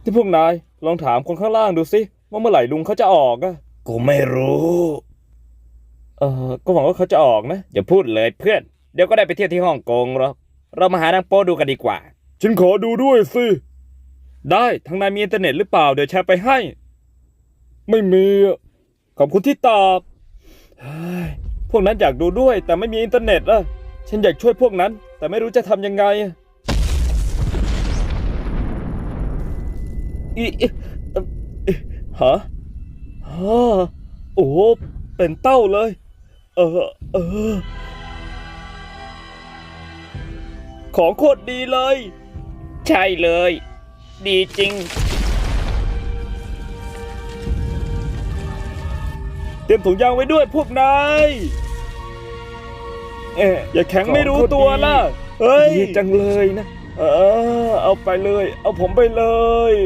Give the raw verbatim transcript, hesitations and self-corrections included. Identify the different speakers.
Speaker 1: ที่พวกนายลองถามคนข้างล่างดูสิว่าเมื่อไหร่ลุงเขาจะออกอะกูไม่รู้เออก็หวังว่าเขาจะออกนะอย่าพูดเลยเพื่อนเดี๋ยวก็ได้ไปเที่ยวที่ฮ่องกงหรอกเรามาหาหนังโป๊ดูกันดีกว่าฉันขอดูด้วยสิได้ทางนายมีอินเทอร์เน็ตหรือเปล่าเดี๋ยวแชร์ไปให้ไม่มีขอบคุณที่ตอบพวกนั้นอยากดูด้วยแต่ไม่มีอินเทอร์เน็ตอะฉันอยากช่วยพวกนั้นแต่ไม่รู้จะทำยังไงอีฮะฮะโอ้เป็นเต้าเลยเออเออของโคตรดีเลยใช่เลยดีจริงเตรียมถุงยางไว้ด้วยพวกนายเอ๊ะอย่าแข็งไม่รู้ตัวล่ะเฮ้ยจังเลยนะเออเอาไปเลยเอาผมไปเลย